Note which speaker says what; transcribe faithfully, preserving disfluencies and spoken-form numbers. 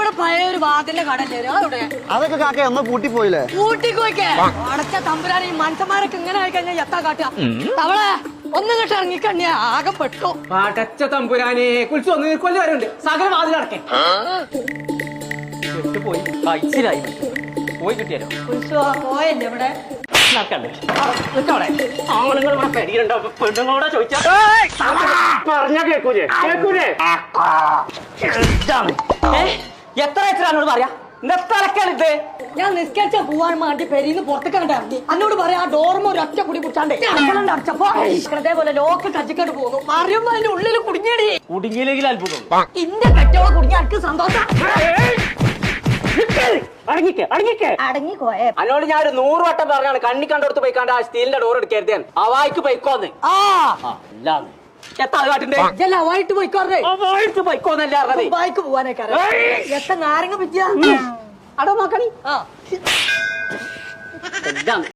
Speaker 1: ഇവിടെ പഴയ ഒരു വാതിന്റെ കടല്ലേ അവിടെ
Speaker 2: അതൊക്കെ കാക്ക ഒന്ന് പൂട്ടിപ്പോയില്ലേ?
Speaker 1: പൂട്ടിക്കോയ്ക്കേ അടച്ച തമ്പുരാൻ ഈ മനുഷ്യന്മാരൊക്കെ ഇങ്ങനെ ആയി കഴിഞ്ഞാൽ എത്താ കാട്ടുക. തവളെ ഒന്നും കിട്ട ഇറങ്ങിക്കണ്ണിയ ആകെ പെട്ടു.
Speaker 3: അടച്ച തമ്പുരാനെ കുളിച്ച് ഒന്ന് കൊല്ലം വരെയുണ്ട്. സകല വാതിലടക്കേ പോയി കഴിച്ചിലായി പോയി കിട്ടിയാലോ
Speaker 1: പോയല്ലേ ഇവിടെ
Speaker 3: ആണുങ്ങൾ ഇവിടെ പെരിയുണ്ടോ? പെണ്ണുങ്ങളോടെ ചോദിച്ചാ പറഞ്ഞ കേക്കൂലേ കേക്കൂലേ എത്ര വെച്ചാൽ പറയാ ഇത്
Speaker 1: ഞാൻ നിസ്കരിച്ച പോവാൻ വേണ്ടി പെരീന്ന് പുറത്തേക്ക് കണ്ടിറങ്ങി. എന്നോട് പറയാ ആ ഡോർമ ഒരു ഒറ്റ കുടി കുടിച്ചാണ്ടേ അടച്ചപ്പോ അതേപോലെ ലോക്ക് കച്ചിക്കട്ട് പോകുന്നു. പറയുമ്പോ അതിന്റെ ഉള്ളിൽ കുടുങ്ങിയടി.
Speaker 3: കുടുങ്ങിയില്ലെങ്കിൽ അത്ഭുതം.
Speaker 1: ഇന്റെ കെട്ടോളെ കുടുങ്ങി എനിക്ക് സന്തോഷം.
Speaker 3: അന്നോട് ഞാൻ ഒരു നൂറ് വട്ടം പറഞ്ഞാണ് കണ്ണി കണ്ടോടത്ത് പോയിക്കാണ്ട് ആ സ്റ്റീലിന്റെ ഡോർ എടുക്കരുത്. അവായിക്ക് പോയിക്കോന്ന്. എത്ര കാട്ടുണ്ട്
Speaker 1: അവായിട്ട് പോയിക്കോറേ
Speaker 3: പോയിക്കോന്നല്ലേ അറിഞ്ഞത്.
Speaker 1: ബൈക്ക് പോവാനൊക്കെ എത്ര നാരങ്ങ പറ്റിയ
Speaker 3: അടോ നോക്കണി.
Speaker 1: ആ